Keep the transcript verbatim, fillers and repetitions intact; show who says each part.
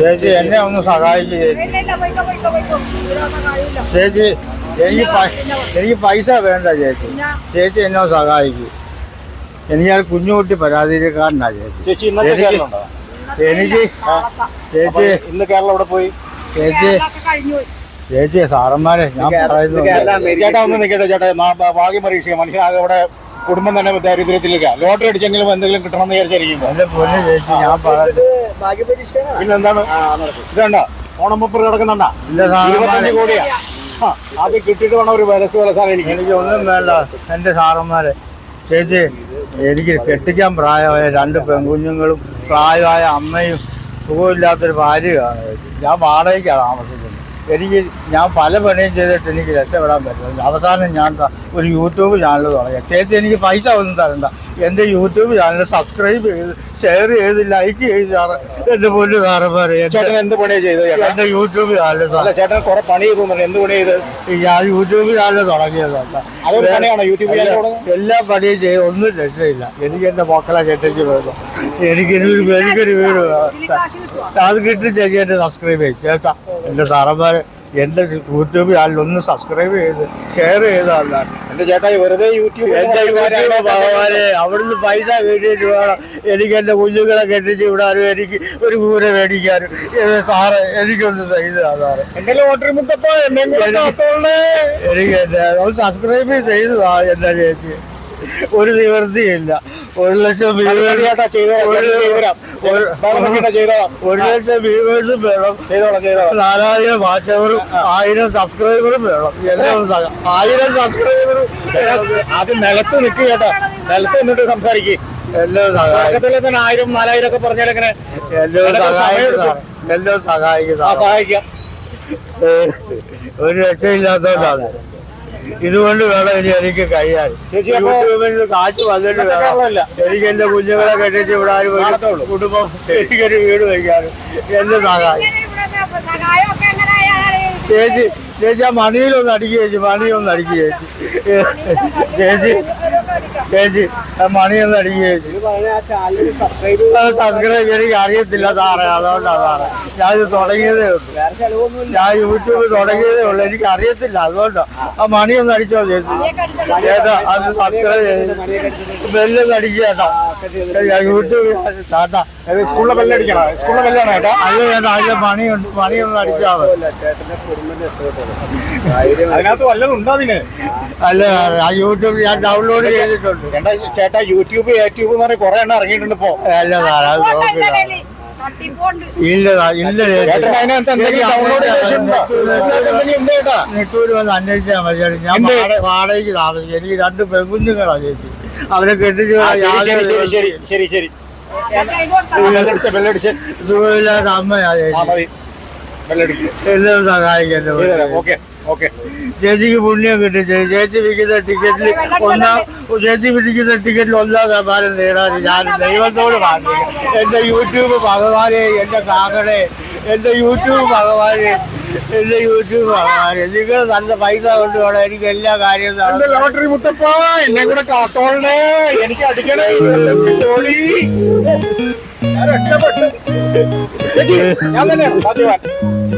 Speaker 1: ചേച്ചി എന്നെ ഒന്ന് സഹായിക്കും ചേച്ചി. ചേച്ചി എനിക്ക് എനിക്ക് പൈസ വേണ്ട ചേച്ചി. ചേച്ചി എന്നെ ഒന്ന് സഹായിക്കും. എനിക്ക് ഞാൻ കുഞ്ഞുകുട്ടി പരാതിക്കാരനാ ചേച്ചി.
Speaker 2: ചേച്ചി ഇന്നത്തെ കേരളമുണ്ടോ?
Speaker 1: എനിക്ക് ചേച്ചി
Speaker 2: ഇന്ന് കേരളം ഇവിടെ പോയി.
Speaker 1: ചേച്ചി ചേച്ചി സാറന്മാരെ ഞാൻ പറയുന്നു.
Speaker 2: ചേട്ടാ ഒന്ന് നിൽക്കട്ടെ ചേട്ടാ. ഭാഗ്യം പരീക്ഷിക്കുക. മനുഷ്യനാകെ ഇവിടെ കുടുംബം തന്നെ ദാരിദ്ര്യത്തിലേക്ക് ലോട്ടറി അടിച്ചെങ്കിലും എന്തെങ്കിലും കിട്ടണമെന്ന് വിചാരിച്ചിരിക്കുമ്പോൾ
Speaker 1: എന്റെ പൊന്നു ചേച്ചി ഞാൻ പറയുന്നത്
Speaker 2: പിന്നെ എന്താണ് ഇതണ്ട ഓണമപ്പുറം കിടക്കുന്നുണ്ടാ ഇരുപത്തഞ്ച് കോടിയാ. അത് കിട്ടിയിട്ട് വേണം ഒരു വരസ് വലസാൻ. എനിക്ക്
Speaker 1: എനിക്ക് ഒന്നും വേണ്ട എൻ്റെ സാറന്മാരെ. ചേച്ചി എനിക്ക് കെട്ടിക്കാൻ പ്രായമായ രണ്ട് പെൺകുഞ്ഞുങ്ങളും പ്രായമായ അമ്മയും സുഖമില്ലാത്തൊരു ഭാര്യയാണ് ചേച്ചി. ഞാൻ വാടകയ്ക്കാണ് താമസിക്കുന്നത്. എനിക്ക് ഞാൻ പല പണിയും ചെയ്തിട്ട് എനിക്ക് രക്ഷപ്പെടാൻ പറ്റും. അവസാനം ഞാൻ ഒരു യൂട്യൂബ് ചാനൽ തുടങ്ങി. ചേച്ചി എനിക്ക് പൈസ ഒന്നും തരണ്ട. എൻ്റെ യൂട്യൂബ് ചാനൽ സബ്സ്ക്രൈബ് ചെയ്ത് ഷെയർ ചെയ്ത് ലൈക്ക് ചെയ്ത് സാറ് എൻ്റെ പൊന്നു സാറന്മാരെ.
Speaker 2: ചേട്ടൻ എന്ത് പണിയാണ് ചെയ്തത്?
Speaker 1: എൻ്റെ യൂട്യൂബ് ചാനൽ
Speaker 2: അല്ല ചേട്ടൻ കുറെ പണി ചെയ്തു. എന്ത് പണി ചെയ്ത്?
Speaker 1: ഞാൻ യൂട്യൂബ് ചാനൽ തുടങ്ങിയതല്ല.
Speaker 2: അതൊരു പണിയാണോ യൂട്യൂബ് ചാനൽ?
Speaker 1: എല്ലാ പണിയും ചെയ്ത് ഒന്നും രക്ഷയില്ല. എനിക്ക് എൻ്റെ മക്കളെ കെട്ടിച്ച് വേണം. എനിക്കൊരു എനിക്കൊരു വീട് വേണം. അത് കിട്ടി ചേച്ചി എന്നെ സബ്സ്ക്രൈബ് ചെയ്യും ചേട്ടാ. എൻ്റെ സാറന്മാർ എൻ്റെ യൂട്യൂബ് ചാനൽ ഒന്ന് സബ്സ്ക്രൈബ് ചെയ്ത് ഷെയർ ചെയ്തല്ല.
Speaker 2: എൻ്റെ ചേട്ടാ വെറുതെ യൂട്യൂബ്
Speaker 1: എൻ്റെ യൂട്യൂബ് ഭഗവാനെ അവിടുന്ന് പൈസ കിട്ടിയിട്ട് വേണം എനിക്ക് എൻ്റെ കുഞ്ഞുങ്ങളെ കെട്ടിച്ച് വിടാനും എനിക്ക് ഒരു കൂര മേടിക്കാനും. സാറ് എനിക്കൊന്ന് ചെയ്താ സാറ്.
Speaker 2: എൻ്റെ ലോട്ടറി മുത്തപ്പോ
Speaker 1: എനിക്ക് എൻ്റെ ഒന്ന് സബ്സ്ക്രൈബ് ചെയ്തതാ എൻ്റെ ചേച്ചി. ഒരു നിവൃത്തിയില്ല. ഒരു ലക്ഷം വ്യൂവേഴ്സ് ഒരു ലക്ഷം വ്യൂവേഴ്സും വേണം. നാലായിരം വാച്ചവറും ആയിരം സബ്സ്ക്രൈബറും വേണം. എല്ലാം ആയിരം സബ്സ്ക്രൈബറും.
Speaker 2: അത് നിലത്ത് നിൽക്കുക കേട്ടോ. നിലത്ത് നിന്നിട്ട് സംസാരിക്കും.
Speaker 1: എല്ലാം സഹായിക്കും.
Speaker 2: തന്നെ ആയിരം നാലായിരം ഒക്കെ പറഞ്ഞാൽ എങ്ങനെ?
Speaker 1: എല്ലാം സഹായിക്കുന്നതാണ്. എല്ലാം സഹായിക്കുന്നതാണ്.
Speaker 2: സഹായിക്കാം.
Speaker 1: ഒരു രക്ഷയില്ലാത്തതുകൊണ്ടാണ്. ഇതുകൊണ്ട് വേണം ഇനി എനിക്ക് കഴിയാൻ. യൂട്യൂബിൽ കാശ് വന്നിട്ട് വേണം എനിക്ക് എന്റെ കുഞ്ഞുങ്ങളെ കെട്ടിച്ച് വിടാനും കുടുംബം എനിക്കൊരു വീട് വയ്ക്കാനും എന്നെ സഹായം. ചേച്ചി ചേച്ചി ആ മണിയിലൊന്ന് അടിക്കുക ചേച്ചി. മണിയൊന്ന് അടിക്കുക ചേച്ചി. ചേച്ചി ചേച്ചി ആ മണിയൊന്ന് അടിക്കുക ചേച്ചി. സബ്സ്ക്രൈബ് എനിക്ക് അറിയത്തില്ല സാറേ. അതുകൊണ്ടാണ് സാറേ ഞാനിത് തുടങ്ങിയതേ ഉള്ളൂ. ഞാൻ യൂട്യൂബ് തുടങ്ങിയതേ ഉള്ളൂ. എനിക്ക് അറിയത്തില്ല. അതുകൊണ്ടാണ് ആ മണിയൊന്ന് അടിച്ചോ ചേച്ചി. ചേട്ടാ അത് സബ്സ്ക്രൈബ് ചെയ്ത് ബെല്ലൊന്ന് അടിക്കുക ചേട്ടാ. യൂട്യൂബ് ചേട്ടാ
Speaker 2: സ്കൂളിലെ ബെല്ലടിക്കണം. സ്കൂളിലെ ബെല്ലാണ് ചേട്ടാ.
Speaker 1: അത് ചേട്ടാ അതിന്റെ മണിയുണ്ട്. മണിയൊന്ന് അടിച്ചാൽ
Speaker 2: അതിനകത്ത് വല്ലതും ഉണ്ടോ അതിന്?
Speaker 1: അല്ല ആ യൂട്യൂബ് ഞാൻ ഡൗൺലോഡ് ചെയ്തിട്ടുണ്ട്.
Speaker 2: ചേട്ടാ ചേട്ടാ യൂട്യൂബ് യൂട്യൂബ് എന്ന് പറഞ്ഞാൽ കുറെ എണ്ണം ഇറങ്ങിയിട്ടുണ്ട് ഇപ്പോ.
Speaker 1: അല്ല സാറേ അത് നോക്കില്ല. ഇല്ല ഇല്ല നെട്ടൂര് വന്ന് അന്വേഷിച്ചാൽ മതി. ഞാൻ വാടകയ്ക്ക് താമസിക്കും. എനിക്ക് രണ്ട് പെൺകുഞ്ഞുങ്ങളാണ് ചേച്ചി. അവരെ കെട്ടിച്ച്
Speaker 2: ശരി ശരി
Speaker 1: സുഖമില്ലാത്ത അമ്മയാ ചേച്ചി. എല്ലാം സഹായിക്കട്ടെ. ചേച്ചിക്ക് പുണ്യം കിട്ടും. ചേച്ചി വിൽക്കുന്ന ടിക്കറ്റിൽ ഒന്നാം ചേച്ചി പിടിക്കുന്ന ടിക്കറ്റിൽ ഒന്നാം സമ്മാനം നേടാൻ ഞാൻ ദൈവത്തോട് പ്രാർത്ഥിക്കും. എൻ്റെ യൂട്യൂബ് ഭഗവാനെ, എൻ്റെ കാക്കടെ, എൻ്റെ യൂട്യൂബ് ഭഗവാനെ, എൻ്റെ യൂട്യൂബ് ഭഗവാനെ നിങ്ങൾ നല്ല പൈസ കൊണ്ട് വേണം എനിക്ക് എല്ലാ കാര്യവും.
Speaker 2: ലോട്ടറി മുത്തപ്പ എന്നെ കൂടെ കാത്തോളണേ. എനിക്ക് അടിക്കണേ. ഞാൻ രക്ഷപ്പെട്ടു. ഞാൻ തന്നെയാണ് ഭാഗ്യവാൻ.